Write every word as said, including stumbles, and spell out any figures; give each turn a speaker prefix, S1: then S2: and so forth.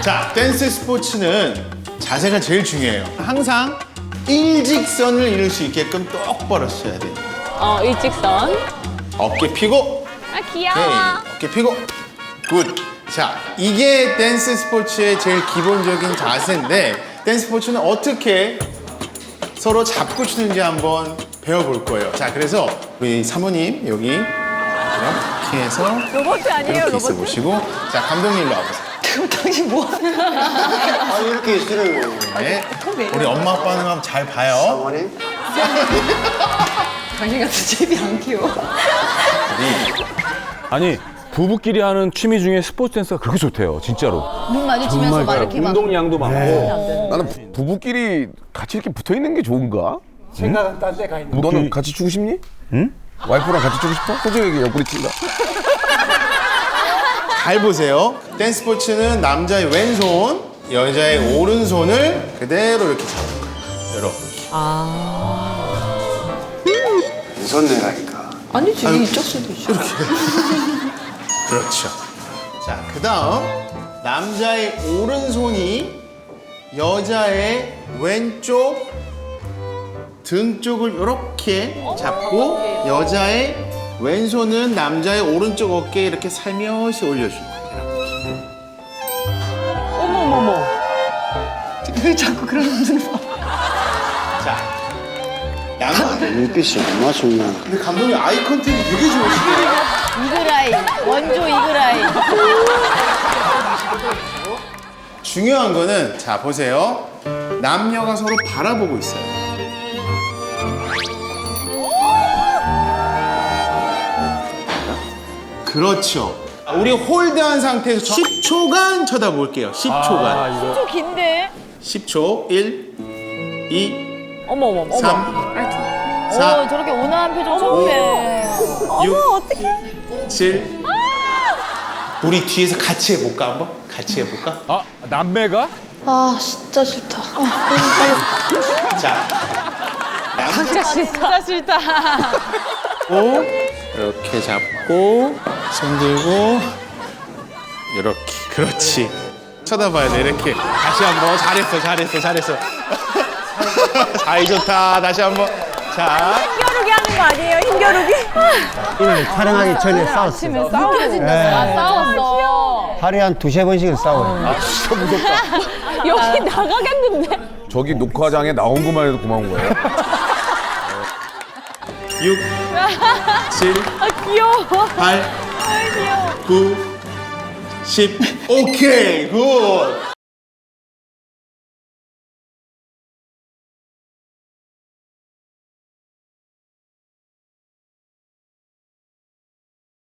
S1: 자, 댄스 스포츠는 자세가 제일 중요해요. 항상 일직선을 이룰 수 있게끔 똑바로 서야 돼요.
S2: 어, 일직선.
S1: 어깨 펴고,
S2: 아, 귀여워.
S1: 오케이. 어깨 펴고, 굿. 자, 이게 댄스 스포츠의 제일 기본적인 자세인데 댄스 스포츠는 어떻게 서로 잡고 추는지 한번 배워볼 거예요. 자, 그래서 우리 사모님 여기 이렇게 해서
S2: 로봇 아니에요,
S1: 이렇게 있어
S2: 로봇?
S1: 보시고, 자, 감독님 일로 와보세요.
S2: 그럼 당신 뭐 하는
S3: 아 이렇게 있으면
S1: 네. 우리 엄마 아빠는 한번 잘 봐요.
S3: 어머니
S2: 당신 같은 제비 안 키워.
S4: 아니 부부끼리 하는 취미 중에 스포츠 댄스가 그렇게 좋대요, 진짜로.
S5: 눈 마주치면서 막 이렇게 막
S4: 운동량도 많고.
S6: 나는 부- 부부끼리 같이 이렇게 붙어 있는 게 좋은가?
S7: 생각은 딴 데 가 있는.
S6: 너는 같이 주고 싶니? 응? 와이프랑 같이 주고 싶어? 솔직하게 옆구리 친다.
S1: 잘 보세요. 댄스 스포츠는 남자의 왼손, 여자의 오른손을 그대로 이렇게 잡는 거예요. 이렇게.
S3: 왼손 내라니까.
S5: 아니지 이쪽 수도 있어.
S1: 그렇죠. 자, 그 다음 남자의 오른손이 여자의 왼쪽 등 쪽을 이렇게 잡고 여자의 왼손은 남자의 오른쪽 어깨에 이렇게 살며시 올려주는 거예요.
S2: 어머머머.
S5: 왜 자꾸 그런 분들 봐.
S1: 자, 양.
S3: 눈빛이 얼마나 중요한.
S1: 근데 감독님 아이 컨택이 되게 좋으시네요.
S5: 이글아이 원조 이글아이.
S1: 중요한 거는 자 보세요. 남녀가 서로 바라보고 있어요. 그렇죠. 우리 홀드한 상태에서 십 초간 쳐다볼게요. 십 초간.
S2: 좀 긴데.
S1: 십 초. 일, 이,
S2: 어머머머.
S1: 삼,
S5: 오
S1: 사,
S5: 저렇게 온화한 표정 처음에.
S1: 육,
S2: 어떡해.
S1: 칠. 우리 뒤에서 같이 해볼까 한번? 같이 해볼까?
S4: 아 남매가?
S5: 아 진짜 싫다.
S1: 자, 양
S2: 진짜 싫다. 진짜 싫다.
S1: 잡고 이렇게 잡고 손 들고 이렇게 그렇지. 쳐다봐야 돼 이렇게. 다시 한번 잘했어 잘했어 잘했어. 아이 좋다. 다시 한번. 자,
S2: 힘겨루기 하는 거 아니에요? 힘겨루기?
S7: 오늘 촬영하기 전에 싸웠어.
S2: 아침에 싸워진다. 아, 싸웠어.
S7: 하루에 한 두세 번씩은 싸워요.
S2: 여기 나가겠는데?
S6: 저기 녹화장에 나온 것만 해도 고마운 거예요.
S1: 육, 칠,
S2: 아, 귀여워.
S1: 팔, 구, 십. 오케이 굿.